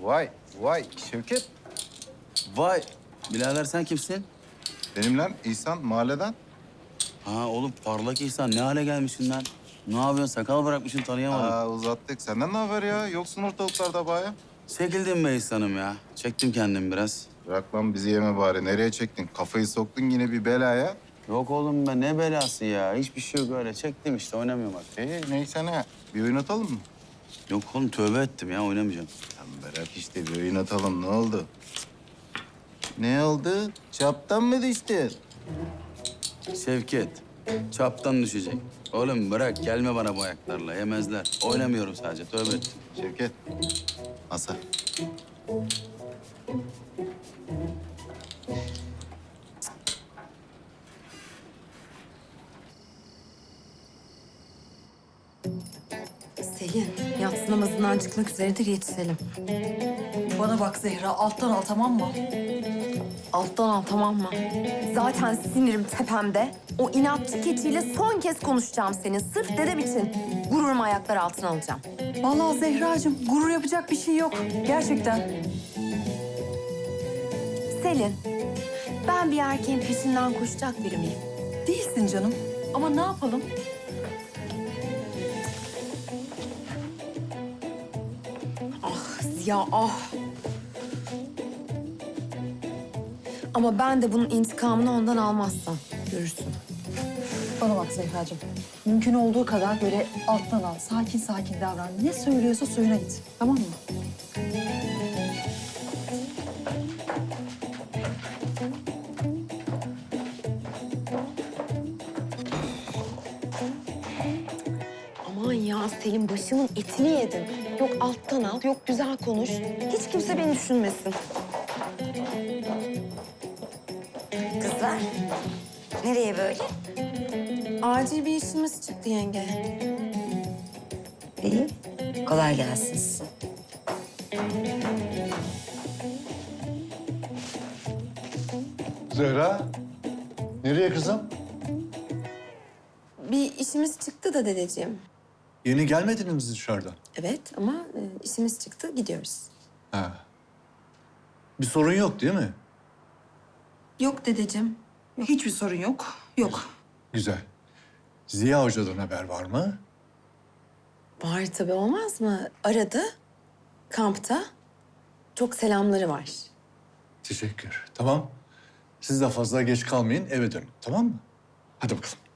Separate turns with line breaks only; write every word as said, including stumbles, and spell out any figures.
Vay, vay Şevket.
Vay, birader sen kimsin?
Benim lan İhsan mahalleden.
Ha oğlum parlak İhsan ne hale gelmişsin lan? Ne yapıyorsun? Sakal bırakmışsın tanıyamadım.
Aa uzattık. Senden ne haber ya? Yoksun ortalıklarda baya.
Çekildim be İhsan'ım ya. Çektim kendimi biraz.
Bırak lan bizi yeme bari. Nereye çektin? Kafayı soktun yine bir belaya.
Yok oğlum ben ne belası ya. Hiçbir şey yok öyle. Çektim işte oynamıyorum artık.
İyi neyse ne. Bir oyun atalım mı?
Yok oğlum tövbe ettim ya oynamayacağım.
Lan bırak işte bir oyun atalım. Ne oldu? Ne oldu? Çaptan mı düştün?
Şevket, çaptan düşecek. Oğlum bırak gelme bana bu ayaklarla yemezler. Oynamıyorum sadece tövbe ettim.
Şevket. Masa.
Selin, yatsı namazından çıkmak üzeredir, yetişelim.
Bana bak Zehra, alttan al tamam mı?
Alttan al, tamam mı? Zaten sinirim tepemde. O inatçı keçiyle son kez konuşacağım senin. Sırf dedem için gururumu ayaklar altına alacağım.
Vallahi Zehracığım, gurur yapacak bir şey yok. Gerçekten.
Selin, ben bir erkeğin peşinden koşacak biri miyim?
Değilsin canım. Ama ne yapalım?
Ah Ziya, ah. Ama ben de bunun intikamını ondan almazsam görürsün.
Bana bak Zehracığım. Mümkün olduğu kadar böyle alttan al. Sakin sakin davran. Ne söylüyorsa suyuna git. Tamam mı?
Aman ya Selin, başımın etini yedin. Yok alttan al, yok güzel konuş. Hiç kimse beni düşünmesin.
Kızlar, nereye böyle?
Acil bir işimiz çıktı yenge.
İyi, kolay gelsin size.
Zehra, nereye kızım?
Bir işimiz çıktı da dedeciğim.
Yeni gelmediniz mi dışarıdan?
Evet ama e, işimiz çıktı, gidiyoruz.
Ha. Bir sorun yok değil mi?
Yok dedeciğim.
Hiçbir sorun yok. Yok.
Güzel. Ziya Hoca'dan haber var mı?
Var tabii, olmaz mı? Aradı, kampta. Çok selamları var.
Teşekkür. Tamam. Siz de fazla geç kalmayın, eve dönün. Tamam mı? Hadi bakalım.